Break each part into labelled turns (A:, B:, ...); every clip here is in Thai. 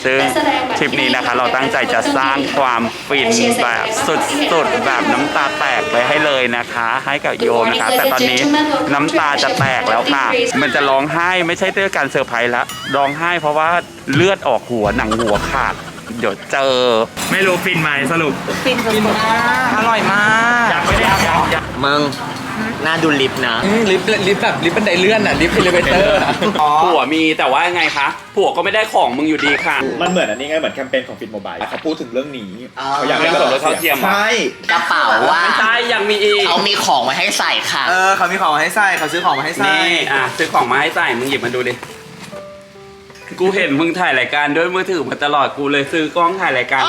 A: ซึ่งทริปนี้นะคะเราตั้งใจจะสร้างความฟินแบบสุดๆแบบน้ำตาแตกไปให้เลยนะคะให้กับโยมนะคะแต่ตอนนี้น้ำตาจะแตกแล้วค่ะมันจะร้องไห้ไม่ใช่ด้วยการเซอร์ไพรส์ละร้องไห้เพราะว่าเลือดออกหัวหนังหัวขาดเดี๋ยวเจอไม่รู้ฟินไหมสรุป
B: ฟินมากอร่อยมาก
A: อยากไม่ได้อยาก
C: มึงน่าดูลิฟต์นะ
B: ลิฟต์แบบลิฟต์บันไดเลื่อนอ่ะลิฟต์เอลิเวเตอร์
A: ผัวมีแต่ว่าไงคะผัวก็ไม่ได้ของมึงอยู่ดีค่ะ
D: มันเหมือนอันนี้ไงเหมือนแคมเปญของฟินโมบายเขาพูดถึงเรื่องนี้เขาอยาก
A: เรื่องส่วนลดเท่าเทียม
D: ใช่
C: กระเป๋าว่า
A: ใช่ยังมีอีก
C: เขามีของมาให้ใส่ค่ะ
B: เขามีของมาให้ใส่เขาซื้อของมาให้ใส่
A: นี่ซื้อของมาให้ใส่มึงหยิบมาดูดิกูเห็นมึงถ่ายรายการด้วยมือถือมาตลอดกูเลยซื้อกล้องถ่ายรายการ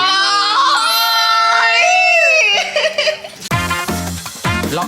B: ล็อก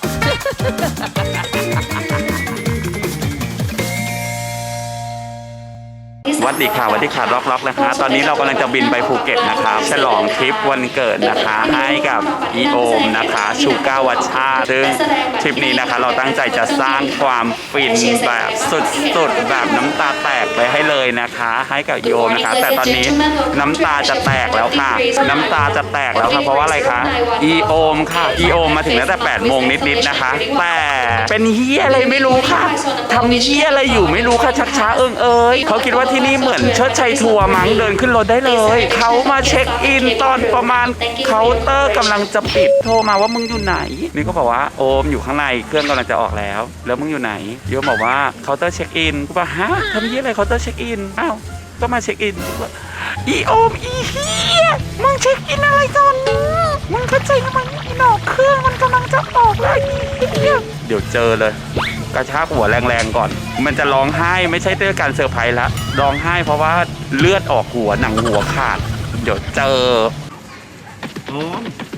A: วัดดีค่ะล็อกนะคะตอนนี้เรากำลังจะบินไปภูเก็ตนะครับฉลองทริปวันเกิดนะคะให้กับอีโอมนะคะชูก้าวัชชาซึ่งทริปนี้นะคะเราตั้งใจจะสร้างความฟินแบบสุดๆแบบน้ำตาแตกไปให้เลยนะคะให้กับโยมนะคะแต่ตอนนี้น้ำตาจะแตกแล้วค่ะน้ำตาจะแตกแล้วค่ะเพราะว่าอะไรคะอีโอมค่ะอีโอมมาถึงตั้งแต่8 โมงนิดๆนะคะแต่เป็นเฮียอะไรไม่รู้ค่ะทำเฮียอะไรอยู่ไม่รู้ค่ะชักช้าเอ้ยเขาคิดว่าที่นี่เหมือนเชิดชัยทัวร์มั้งเดินขึ้นรถได้เลยเขามาเช็คอินตอนประมาณเคาน์เตอร์กำลังจะปิดโทรมาว่ามึงอยู่ไหนนี่ก็บอกว่าโอมอยู่ข้างในเครื่องกำลังจะออกแล้วมึงอยู่ไหนโยมบอกว่าเคาน์เตอร์เช็คอินกูบอกฮะทำยี่อะไรเคาน์เตอร์เช็คอินอ้าวก็มาเช็คอินอีโอมอีเฮียมึงเช็คอินอะไรตอนนี้มึงเข้าใจไหมอีหนอกเครื่องมันกำลังจะออกแล้วอีเฮียเดี๋ยวเจอเลยกระชากหัวแรงๆก่อนมันจะร้องไห้ไม่ใช่ด้วยการเซอร์ไพรส์ละร้องไห้เพราะว่าเลือดออกหัวหนังหัวขาดเดี๋ยวเจอโอ้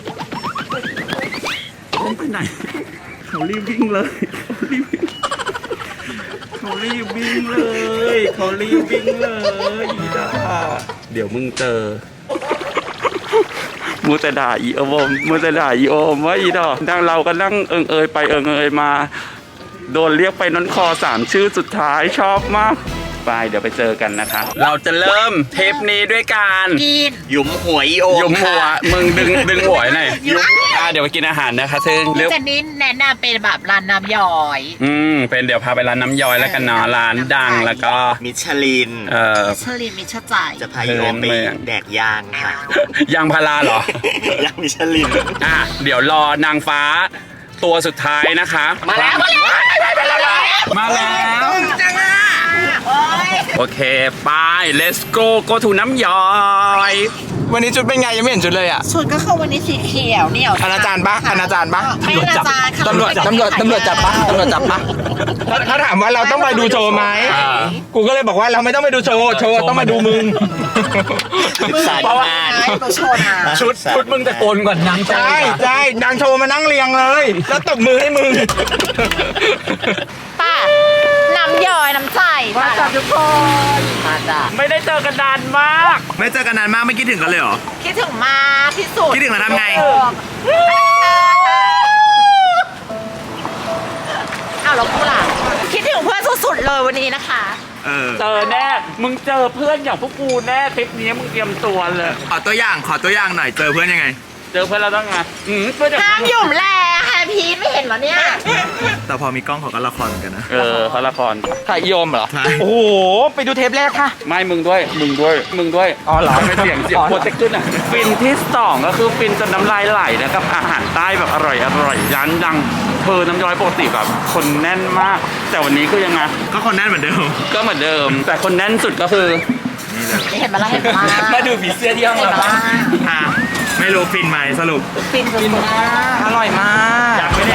A: มไปไหนเขารีบวิ่งเลยเขารีบวิ่งเลยอีดาเดี๋ยวมึงเจอมูแต่ด่าอีโอมว่าอีดอกนั่งเราก็นั่งเอยไปเอยมาโดนเรียกไปน้นคอ3 ชื่อสุดท้ายชอบมากไปเดี๋ยวไปเจอกันนะคะเราจะเริ่มเทปนี้ด้วยการ
C: หยุมหัวอีโอ
A: หยุมหัวมึงดึงหัวหน่อยเดี๋ยวไปกินอาหารนะคะซึ่ง
B: เจนนี่แนะนำเป็นแบบร้านน้ำย้อย
A: เป็นเดี๋ยวพาไปร้านน้ำย้อยแล้วกันเนาะร้านดังแล้วก็
C: มิชลิน
B: มิชจ่าย
C: จะพาอีโอมไปแดกย่างค่ะ
A: ยางพาราเหร
C: ย่างมิชลิน
A: เดี๋ยวรอนางฟ้าตัวสุดท้ายนะคะ
C: มาแล้ว
B: จังอ่ะ
A: โอเคไป let's go to น้ำย้อย
B: วันนี้ชุดเป็นไงยังไม่เห็นชุดเลยอ่ะชุดก็คือวันนี้สีเขียวเหนียว
A: อนาจารย์ปะ
B: ไม่อนาจารย์ตำรวจจับปะ
D: เขาถามว่าเราต้องไปดูโชว์ไหมกูก็เลยบอกว่าเราไม่ต้องไปดูโชว์ต้องมาดูมึง
C: เพราะว่า
A: ชุดมึงตะโกนก่อนนางโชว์
D: ใช่นางโชว์มานั่งเรียงเลยแล้วตบมือให้มึง
B: ป้าน้ำย่อยน้ำใจมาจ้ะทุกคนมาจ้ะ
A: ไม่ได้เจอกันนานมาก
D: ไม่คิดถึงกันเลยเหรอ
B: คิดถึงมากที่สุด
D: คิดถึงแล้วทำไง
B: เราพูดล่ะคิดถึงเพื่อนสุดๆเลยวันนี้นะคะ
A: เจอแน่มึงเจอเพื่อนอย่างพวกกูแน่ทริปนี้มึงเตรียมตัวเลย
D: ขอตัวอย่างหน่อยเจอเพื่อนยังไง
A: เจอเพื่อนเราต้องไง
B: ห้ามหยุ่มแลค่ะพีทไม่เห็นเหรอเนี่ย
D: แต่พอมีกล้องเขาก็ละครเหมือนกันนะ
A: เขาละคร
B: ถ่ายโยมเหรอ
D: โอ้โหไปดูเทปแรกค่ะ
A: ไม่มึงด้วยอ๋อเหรอไม่เสียงโปรเจกต์ขึ้นอ่ะฟินที่2ก็คือฟินจนน้ำลายไหลนะกับอาหารใต้แบบอร่อยร้านดังน้ำย้อยปกติแบบคนแน่นมากแต่วันนี้ก็ยังไง
D: ก็คนแน่นเหมือนเดิ
A: มแต่คนแน่นสุดก็คือ
B: เห็น
A: มาดูผีเสื้อที่ห้องเรา
D: ไม่รู้ฟินไหมสรุป
B: ฟินมากอร่อยมาก
A: อยากไม่ได้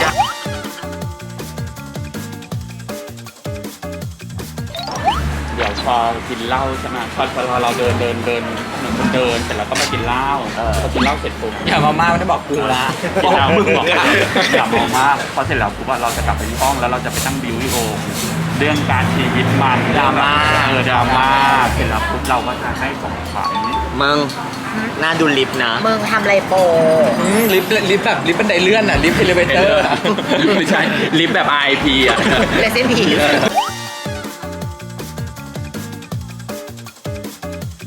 A: เดี๋ยวพอกินเหล้าใช่ไหมพอเราเดินเหมือนคนเดินเสร็จแล้วก็มากินเหล้าพอกินเหล้าเสร็จปุ๊บ
B: อย่ามาไม่ได้บอกกูละ
A: กินเหล้ามึงบอกอย่ามามากพอเสร็จแล้วปุ๊บเราจะกลับไปที่ห้องแล้วเราจะไปตั้งบิวที่โอเรื่องการชีวิตมันดราม่าเสร็จแล้วปุ๊บเราก็จะให้ของขวัญ
C: มึงน่าดูลิฟต์นะ
B: มึงทำไรโป
A: ลิฟต์แบบลิฟต์บันไดเลื่อนอ่ะลิฟต์เอลิเวเตอร์ไม่ใช่ลิฟต์แบบ RIP อ่ะ
B: เลสเซนผี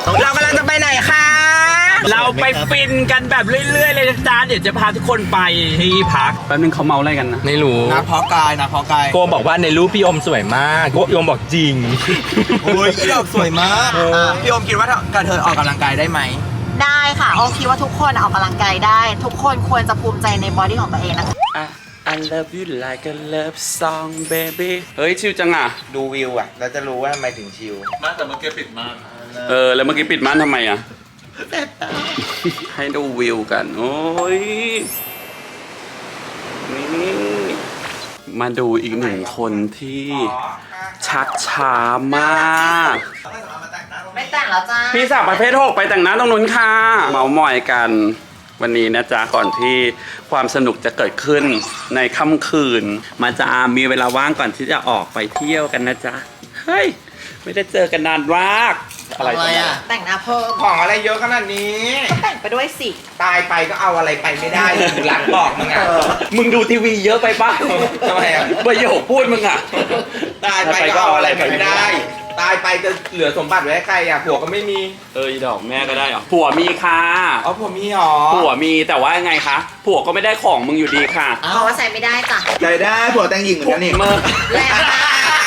D: เรากำลังจะไปไหนคะ
A: เราไปฟินกันแบบเรื่อยๆเลยนะจ๊ะเดี๋ยวจะพาทุกคนไปที่พักแป๊บนึงเขาเมาอะไรกันนะ
D: ไม่รู้
C: นะเพาะกายนะเพาะกาย
D: โกบอกว่าในรูปพี่อมสวยมากพี่อมบอกจริง
C: โอ้ยพี่ดอกสวยมากพี่อมคิดว่าการเธอออกกำลังกายได้ไหม
B: ได้ค่ะโอคิดว่าทุกคนออกกำลังกายได้ ทุกคนควรจะภูมิใจในบอดี้ของตัวเองนะคะ
A: I love you like a love song baby เฮ้ยชิวจังอ่ะ
C: ดูวิวอ่ะเราจะรู้ว่าทำไมถึงชิลแต่เมื่อกี้ปิดม่าน
A: แล้วเมื่อกี้ปิดม่านทำไมอ่ะ ให้ดูวิวกัน โอ้ย นี่ มาดูอีกหนึ่งคนที่ชักช้ามาก
B: ไม่แต่งแล้วจ้า
A: พี่สาวประเภท 6 ไปแต่งหน้าตรงนู้นค่ะ เมามอยกันวันนี้นะจ๊ะ ก่อนที่ความสนุกจะเกิดขึ้นในค่ำคืน มาจะมีเวลาว่างก่อนที่จะออกไปเที่ยวกันนะจ๊ะ เฮ้ย ไม่ได้เจอกันนานมาก
C: อะไรอ่ะ
B: แต่งหน้าเพิ่ม
D: ของอะไรเยอะขนาดนี้
B: ก็แต่งไปด้วยสิ
D: ตายไปก็เอาอะไรไปไม่ได้กูรักบอกมึงอ่ะ
A: มึงดูทีวีเยอะไปป่ะ
D: ทำไมอ่ะ
A: ประโยคพูดมึงอ่ะ
D: ตายไปก็เอาอะไรไปไม่ได้ ตายไปจะเหลือสมบัติไว้ให้ใครอ่ะผัวก็ไม่มี
A: อีดอกแม่ก็ได้เหรอผัวมีค่ะ
D: อ๋อผัวมีหรอ
A: ผัวมีแต่ว่าไงคะผัวก็ไม่ได้ของมึงอยู่ดีค่ะ
B: เพราะว่าใส่ไม่ได้จ้ะ
C: ใจได้ผัวแต่งหญิงเหมือนกันนี่
A: เมื่อ
B: แรงมาก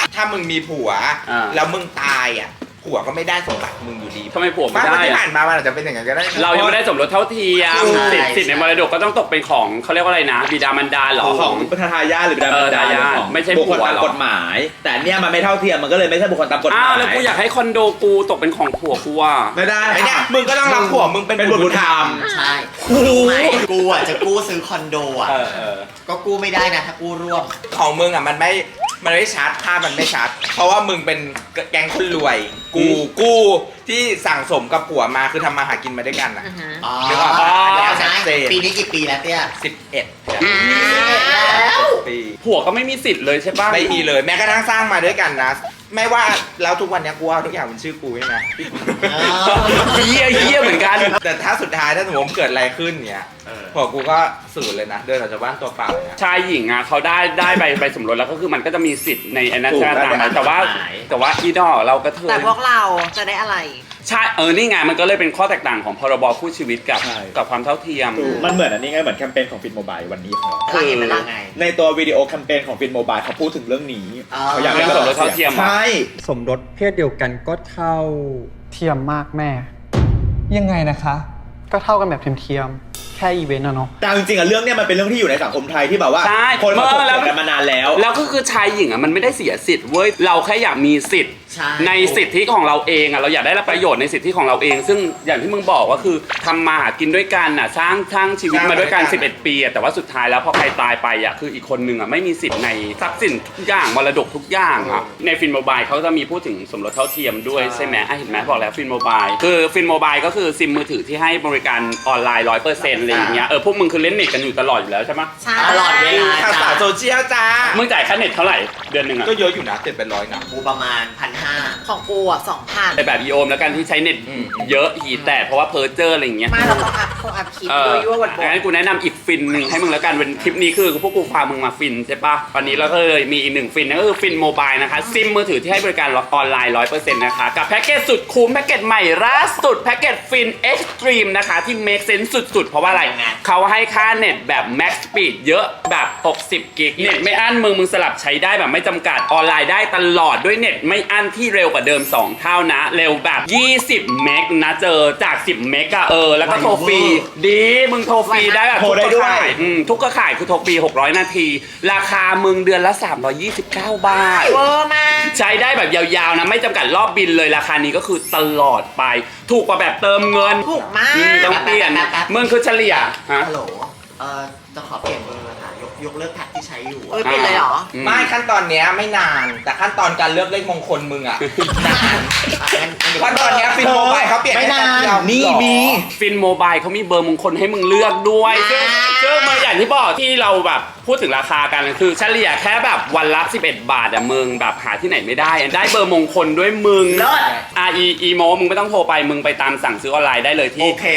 D: ถ้ามึงมีผัว
A: อ่า
D: แล้วมึงตายอ่ะผัวก็ไม่ได้สมบัติมึงอยู่ดี
A: ทำไมผัวไม่
D: บ้าน
A: ได้
D: ที่
A: อะ
D: ผ่านมามันอาจจะเป็นอย่างนั้นก็ได้นะ
A: เรายังไม่ได้สมรสเท่าเทียมสิทธิ์ในมรดกก็ต้องตกเป็นของเขาเรียกว่าอะไรนะ บิดามารดาเหรอ
E: ของทายาทหรือบิดามารดา
A: ทายาท
E: ของ
A: ไม่ใช่
E: บุคคล
A: ผัว
E: ตาม
A: หรอ
E: กฎหมาย แต่เนี่ยมันไม่เท่าเทียมมันก็เลยไม่ใช่บุคคลตามกฎห
A: อ้าม
E: าว ย
A: แล้วกูอยากให้คอนโดกูตกเป็นของผัวกูอ่ะ
E: ไม่ได้
D: ไอ้เนี่ยมึงก็ต้องรับผัวมึงเป็น
E: เป็นบุตรบุญธรรม
C: ใช่รู้ไหมกูอ่ะจะกู้ซื้อคอนโดอ่ะ ก็กู้ไม่ได้นะถ้ากู้ร่วม
D: ของมึงอ่ะมันไม่ชัดภาพมันไม่ชัด เพราะว่ามึงเป็นแก๊งคนรวย กูที่สั่งสมกับผัวมาคือทำมาหากินมาด้วยกันอ่ะ
C: อ๋อ
D: นึกออกปะ
C: ใช่ปีนี้กี่ปีแล้วเตี้ย
D: 11
C: แล้ว
D: ปี
A: ผัวก็ไม่มีสิทธิ์เลยใช่ป่ะ
D: ไม่มีเลยแม้กระทั่งสร้างมาด้วยกันนะ ไม่ว่าแล้วทุกวันเนี้ยกูเอาทุกอย่างเป็นชื่อกูใช่ไหม
A: เฮี้ยเหมือนกัน
D: แต่ถ้าสุดท้ายถ้าสมมติเกิดอะไรขึ้นเนี้ยผัวกูก็สูญเลยนะเดินออกจากบ้านตัวเปล่าเนี่ย
A: ชายหญิงอ่ะเขาได้ใบสมรสแล้วก็คือมันก็จะมีสิทธิ์ในไอ้นั้นใช่ไหมแต่ว่าอีดอเราก็เธอ
B: แต่พวกเราจะได้อะไร
A: ใช่นี่ไงมันก็เลยเป็นข้อแตกต่างของพรบคู่ชีวิตกับความเท่าเทียม
E: มันเหมือนอันนี้ไงเหมือนแคมเปญของฟินโมบายวันนี้ของเรา
C: แล้วเห็นมันยังไง
E: ในตัววิดีโอแคมเปญของฟินโมบายเขาพูดถึงเรื่องนี้
C: อ๋อ
E: เขาอยากให้
A: เรื่องสมรสเท่าเทียมเหรอ
E: ใช่
F: สมรสเพศเดียวกันก็เท่า
G: เทียมมากแม่
F: ยังไงนะคะ
G: ก็เท่ากันแบบเทียมๆแค่อีเวนต์อะเนาะ
E: แต่จริงๆอะเรื่องเนี้ยมันเป็นเรื่องที่อยู่ในสังคมไทยที่แบบว่า
A: ใช่
E: คนมาถก
A: แล้ว
E: เถียงกันมานานแล้ว
A: แล้วก็คือชายหญิงอ่ะมันไม่ได้เสียสิทธิ์เว้ยเราแค่อยากมีสิทธิ์
C: ใช่
A: ในสิทธิของเราเองอ่ะเราอยากได้รับประโยชน์ในสิทธิของเราเอง ซึ่งอย่างที่มึงบอกว่าคือทำมาหากินด้วยกันอ่ะสร้างชีวิตมาด้วยกัน11 ปีอ่ะแต่ว่าสุดท้ายแล้วพอใครตายไปอ่ะคืออีกคนนึงอ่ะไม่มีสิทธิ์ในทรัพย์สินทุกอย่างมรดกทุกอย่างอ่ะในฟินโมบายเขาจะมีพูดถึงสมรสเท่าเทียมด้วยใช่ไหมเห็นไหมบอกแล้วฟินโมบายคือฟินโมบายก็คือซิมมือถือที่ให้บริการออนไลน์ 100%อะไรอย่างเงี้ยพวกมึงคือเล่นเน็ตกันอยู่ตลอดอยู่แล้วใช่ไหม
B: ใช่
C: ตลอดเวลา
D: ข่าวสารโซเชียลจ้า
A: มึงจ่ายค่าเน็ตเท่าไหร่เดือนหนึ่งอ่ะ
D: ก็เยอะอยู่นะ700นะ
C: กูประมาณ 1,500
B: ของกูอ่ะ 2,000
A: ในแบบอีโอมแล้วกันที่ใช้เน็ตเยอะหีแตกเพราะว่าเพอร์เจอร์อะไรอย่างเงี้ย
B: มาเราต้องอัพคลิปโดยยั่ววันบ
A: งั้นกูแนะนำอีกฟินหนึ่งให้มึงแล้วกันเป็นคลิปนี้คือพวกกูพามึงมาฟินใช่ปะวันนี้เราก็เลยมีอีกหนึ่งฟินนั่นก็คือฟินโมบายนะคะซิมมือถือที่ให้บริการออนไลน์ 100% นะคะกับแพ็กเกจสุดคุ้มแพ็กเกจใหม่ล่าสุดแพ็กเกจฟินเอ็กซ์ตรีมนะคะที่ make sense สุดๆเพราะว่าอะไรเขาให้ค่าเน็ตแบบ max speed เยอะแบบ60 กิกเน็ตไม่อั้นมึงสลับใช้ได้แบบไม่จำกัดออนไลน์ได้ตลอดด้วยเน็ตไม่อั้นที่เร็วกว่าเดิม2 เท่านะเร็วแบบ20 เมกนะเจอจาก10 เมกอะแล้วก็โทรฟรีดีมึงโทรฟรีได้แบบ
E: โทรได้ด้วย
A: ทุกเครือข่ายคือโทรฟรี600 นาที ราคามึงเดือนละ329 บาท
B: เวอร์มาก
A: ใช้ได้แบบยาวๆนะไม่จำกัดรอบบินเลยราคานี้ก็คือตลอดไป ถูกกว่าแบบเติมเงิน
B: ถูกมาก
A: ต้องเปลี่ยน
C: แป๊บ
A: มึงคือเฉลี่ยฮะ
C: ฮัลโหลจะขอเปลี่ยนเบอร์ค่ะยกเลิกแพ็คที่ใช้อยู่
B: เปลี่ยนเลยเหรอ
D: ไม่ขั้นตอนเนี้ยไม่นาน แต่ขั้นตอนการเลือกเลขมงคลมึงอ่ะนานขั้นตอนเนี้ยฟินโมบายเขาเปลี่ยน
C: ไม่นาน
D: แค่แป๊บเดียว
C: นี่
D: หรอ
C: มี
A: ฟินโมบายเขามีเบอร์มงคลให้มึงเลือกด้วยซึ่งมาอย่างที่บอกที่เราแบบพูดถึงราคากันคือเฉลี่ยแค่แบบวันละ11 บาทอะมึงแบบหาที่ไหนไม่ได้ได้เบอร์มงคลด้วยมึง
C: เลิศ
A: อีโมมึงไม่ต้องโทรไปมึงไปตามสั่งซื้อออนไลน์ได้เลยที่
C: โอเค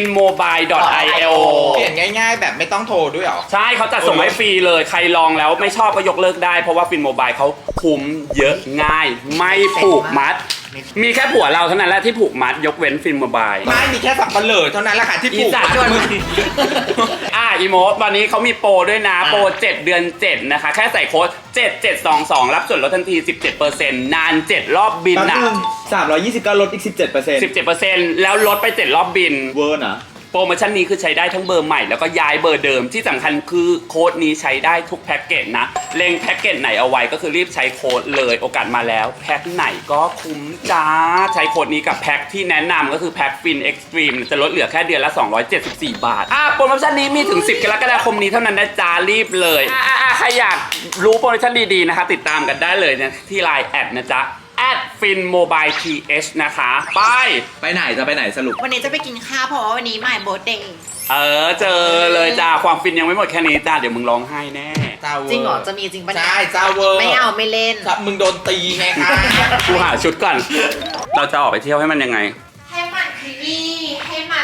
A: finmobile.io
D: เปลี่ยนง่ายๆ แบบไม่ต้องโทรด้วยเหรอ
A: ใช่เขาจัดส่งให้ฟรีเลยใครลองแล้วไม่ชอบก็ยกเลิกได้เพราะว่าฟินโมบายเขาคุ้มเยอะง่าย ไม่ผูกมัดมีแค่ผัวเราเท่านั้นแหละที่ผูกมัดยกเว้นฟินโมบาย
D: ไม่มีแค่สับปะเหร่อเท่านั้นแหละค่ะที่ปลูก
A: อีสาน
D: มัด
A: ชวน
D: มึง
A: อีโมตอนนี้เขามีโปรด้วยนะ โปร 7 เดือน 7 นะคะ แค่ใส่โค้ด 7722 รับส่วนลดทันที 17%นาน 7 รอบบิน
E: แป๊บ
A: นะ
E: นึง329ลดอีก 17%
A: 17%แล้วลดไป 7 รอบบิน
E: เวอร์นะ
A: โปรโมชั่นนี้คือใช้ได้ทั้งเบอร์ใหม่แล้วก็ย้ายเบอร์เดิมที่สำคัญคือโค้ดนี้ใช้ได้ทุกแพ็กเกจนะเล็งแพ็กเกจไหนเอาไว้ก็คือรีบใช้โค้ดเลยโอกาสมาแล้วแพ็กไหนก็คุ้มจ้าใช้โค้ดนี้กับแพ็กที่แนะนำก็คือแพ็กฟินเอ็กซ์ตรีมจะลดเหลือแค่เดือนละ274 บาทโปรโมชั่นนี้มีถึง 10 กรกฎาคมนี้เท่านั้นนะจ้ารีบเลยใครอยากรู้โปรโมชั่นดีๆนะคะติดตามกันได้เลยนะที่ Line แอดนะจ๊ะ@finmobileTH นะคะ
E: ไปไหนจะไปไหนสรุป
B: วันนี้จะไปกินข้าวเพราะว่าวันนี้my birthday
A: เจอเลยจ้าความฟินยังไม่หมดแค่นี้จ้าเดี๋ยวมึงร้องไห้แน่
B: จริงเหรอจะมีจริงปะเนี่ย
D: ใช่เจ้าเวอร์
B: ไม่เอาไม่เล่น
D: ครับมึงโดนตีไงคะ
A: กูหาชุดก่อน เราจะออกไปเที่ยวให้มันยังไง
B: ให้มันขยี้ให้มัน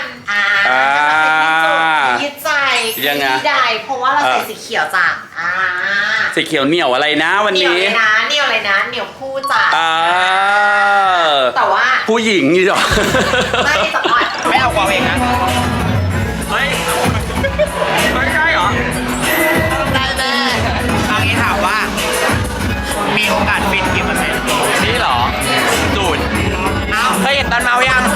B: ยึดใจ
A: ยังไง
B: ขยี้ได้เพราะว่าเราใส่สีเขียวจ้ะ
A: สีเขียวเหนียวอะไรนะวัน
B: เหนียว
A: นี้
B: เลยนะเหนียวเลยนะเหนียวคู่จ้ะ แต่ว่า
A: ผู้หญิงนี่หรอ
B: ไม่สปอร์ต
D: ไม่เอาความเองนะ
A: เฮ้ยไม่ใช่เหรอ
B: ได้แม่
C: เอางี้ถามว่า มีโอกาสฟินกี่เปอร์เซ็นต์
A: นี่เหรอสูตร
D: เคยเห็นตอนเมายัง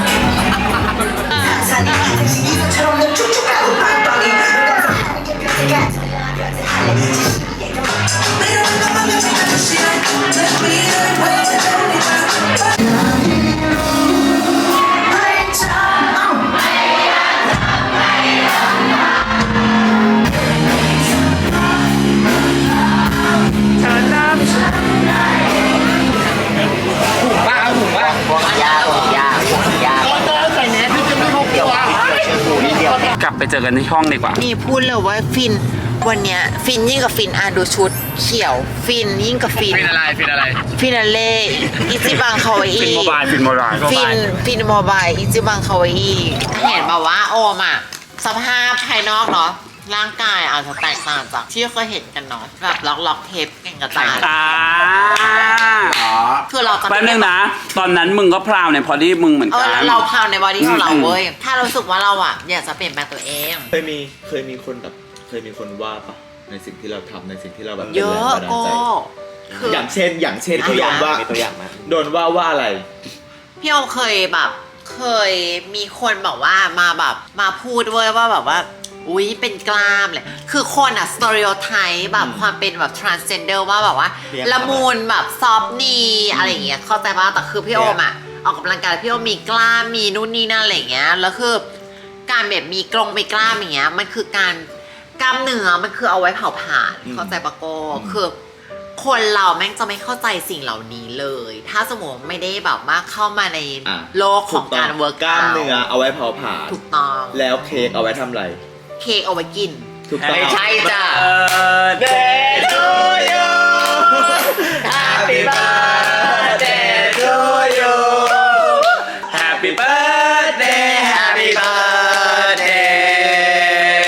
D: บ้าหูบ้าย
C: ากใส่แมสพี่จะไม่พกเดียวนิดเดียว
A: กลับไปเจอกันที่ห้องดีกว่า
B: นี่พูดเลยว่าฟินวันเนี้ยฟินยิ่งกับฟินดูชุดเขียวฟินยิ่งกับฟิน
A: ฟินอะไร
B: ฟินาเล่อิจิบังคาวาอิ
A: ฟินโมบาย
B: ฟินโมบายอิจิบังคาวาอิเห็นแบบว่าโอมอ่ะสภาพภายนอกเนาะร่างกายอาจจะแตกต่างจากที่เคยเห็นกันเนาะแบบล็อกเทปเก่งกระจายคือเราจะ
A: แป๊บนึงนะ ตอนนั้นมึงก็พราวในพอดี้มึงเหมือนกัน
B: แล้วเราพาวในบอดี้ของเราเว้ยถ้ารู้สึกว่าเราอ่ะอยากจะเปลี่ยนแปลงตัวเอง
E: เคยมีคนแบบเคยมีคนว่าปะในสิ่งที่เราทำในสิ่งที่เราแบบ
B: เยอะ
E: ป็นแรงบันดาล
B: ก็
E: ใจ
B: คือ
E: อย่างเช่นพี่โดนว่า
C: มีตัวอย่างไหม
E: โดนว่าอะไร
B: พี่โอมเคยมีคนบอกว่ามาพูดเว้ยว่าแบบว่าอุ๊ยเป็นกล้ามเลยคือคนอะสเตอริโอไทป์แบบความเป็นแบบ transgender ว่าแบบว่า
C: เรียก
B: ละมุนแบบซอฟนีอะไรอย่างเงี้ยเข้าใจป่ะแต่คือพี่โอมอะออกกำลังกายพี่โอมมีกล้ามมีนู่นนี่นั่นอะไรอย่างเงี้ยแล้วคือการแบบมีกรงไปกล้ามอย่างเงี้ยมันคือการกล้ามเนื้อมันคือเอาไว้เผาผลาญเข้าใจปะโก้คือคนเราแม่งจะไม่เข้าใจสิ่งเหล่านี้เลย ถ้าสมมติไม่ได้แบบว่าเข้ามาใน
E: อ่ะ
B: โลกของการเวิร์ก
E: กล้ามเนื้อเอาไว้เผาผลาญ
B: ถูกต้อง
E: แล้วเค้กเอาไว้ทำอะไร
B: เค้กเอาไว้กิน
E: ถูกต้อง
C: ไม่ใช่จ้ะ
A: Birthday to you
C: Happy birthday to you
A: Happy birthday Happy birthday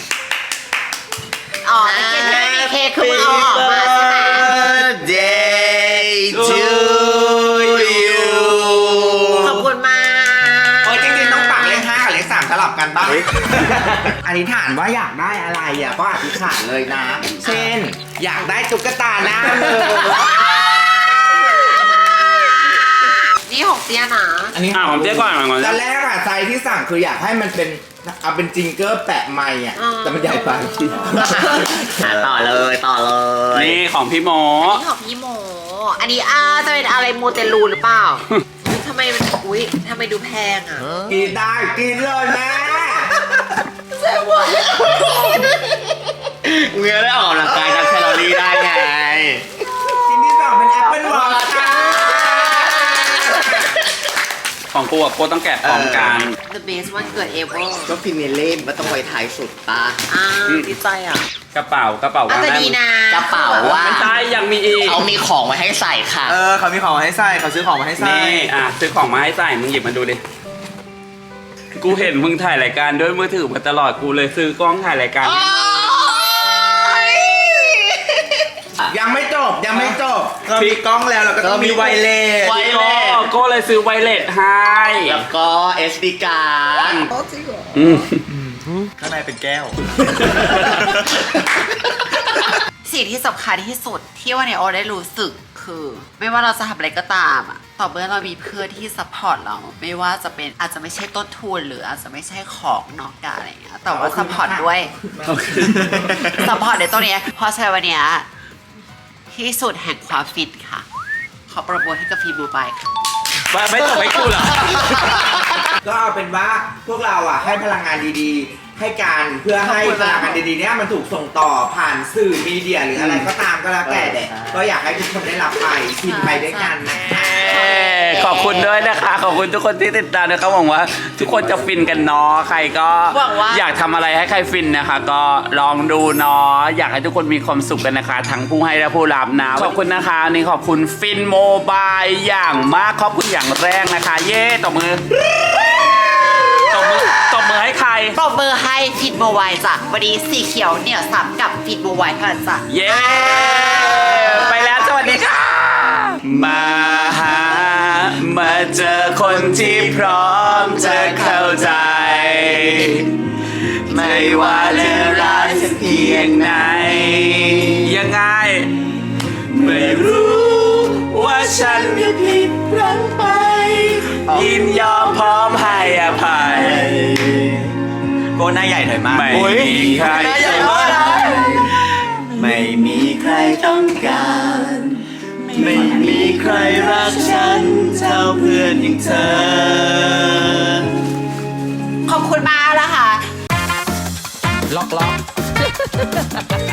B: อ๋อไม่กินไม่มีเค้กคือมึงเอาออกมาใช่ไหม
C: Birthday to you
B: ขอบคุณมาก
D: โอ้ยจริงๆต้องปักเลข5กับเลข3สลับกันป่ะ
C: อธิษฐานว่าอยากได้อะไรอ่ะก็อธิษฐานเลยนะ
D: เช่น อยากได้ตุ๊กตาหน้ามือ
B: นี่ของเตี้ยนะ
D: อันนี้
A: ผมเจ๊ก่อน
D: ตอนแรกอะใจที่สั่งคืออยากให้มันเป็นเอาเป็นจิงเกอร์แปะไม้อะแต่มันใหญ่ไป
C: ต่อเลย
A: นี่ของพี่โม
B: อันนี้ของพี่โม อันนี้จะเป็นอะไรมูเตลูหรือเปล่าทำไมดูแพงอ่ะ
D: กินได้กินเลยแม่
C: เมื่อได้ออกกำลังกายทำแคลอรี่ได้ไง
D: ชิ้นที่สองเป็นแอปเปิลวอชค่ะ
A: ของกูกับโกต้องแกะพร้อมกัน
B: The best วันเกิด ever
C: ก็ฟินเล่มมันต้องไว้ท้ายสุดปะ
B: ดีใจอ่ะ
A: กระเป๋า
B: อาจ
A: ว่าง
B: จะ
A: ได้
B: ดีนะ
C: กระเป๋าว่า
A: ไม่ใช่ยังมีอีก
C: เขามีของไว้ให้ใส่ค่ะ
D: เขามีของมาให้ใส่เขาซื้อของมาให้ใส่
A: นี่ซื้อของมาให้ใส่มึงหยิบมาดูดิ กูเห็นมึงถ่ายรายการด้วยมือถือมาตลอดกูเลยซื้อกล้องถ่ายรายการ
D: ยังไม่จบเรามีกล้องแล้วเราก็ต้องมีไวเลส
C: ไวเลส
A: ก็เลยซื้อไวเลสให้
C: แล้วก็ SD card ข้างในเป็นแก้ว
B: สิ่งที่สำคัญที่สุดที่วันนี้โอได้รู้สึกคือ ไม่ว่าเราจะทำอะไรก็ตามอะต่อเมื่อเรามีเพื่อนที่ซัพพอร์ตเรา ไม่ว่าจะเป็นอาจจะไม่ใช่ต้นทุนหรืออาจจะไม่ใช่ของนอกกายอะไรอย่างเงี้ยแต่ว่าซัพพอร์ตด้วยซัพพอร์ตในตัวเนี้ยเพราะฉะนั้นวันเนี้ยที่สุดแห่งความฟินค่ะ ขอประโมทให้กับฟีบูบายค่ะ
A: ไม่ตกให้กูเหรอ
D: ก็เอาเป็นว่าพวกเราอ่ะให้พลังงานดีๆ ให้การเพื่อให้พลังงานดีๆเนี้ยมันถูกส่งต่อผ่านสื่อมีเดียหรืออะไรก็ตามก็แล้วแต่เด็กก็อยากให้ทุกคนได้รับไปฟินไปด้วยกันนะคะ
A: ขอบคุณด้วยนะคะ ขอบคุณทุกคนที่ติดตามนะครับหวังว่าทุกคนจะฟินกันเนาะใครก็
B: หวังว่า
A: อยากทำอะไรให้ใครฟินนะคะ ก็ลองดูเนาะอยากให้ทุกคนมีความสุขกันนะคะ ทั้งผู้ให้และผู้รับนะขอบคุณนะคะนี่ขอบคุณฟินโมบายอย่างมากขอบคุณอย่างแรกนะคะ เย้ตบมือตบมือให้ใคร
B: ปรบมือให้ฟิตโมไวจ้ะวันนี้สีเขียวเหนี่ยวสับกับฟิตโมไวเท่านั้นจ้ะ
A: เย้ ไปแล้วสวัสดีค่ะ มาหา มาเจอคนที่พร้อมจะเข้าใจ ไม่ว่าจะรักสักเพียงไหน ยังไง ไม่รู้ว่าฉันจะผิดพลั้งไป ยินยอมพร้อมให้อภัย
C: โกหน้าใหญ่หน่อยมาก
A: ไม่มีใคร
B: หน้าใหญ่มากนะ
C: ไม่มีใครต้องการ ไม่มีใครรักฉันเท่าเพื่อนอย่างเธอ
B: ขอบคุณมากนะคะ
A: ล็อก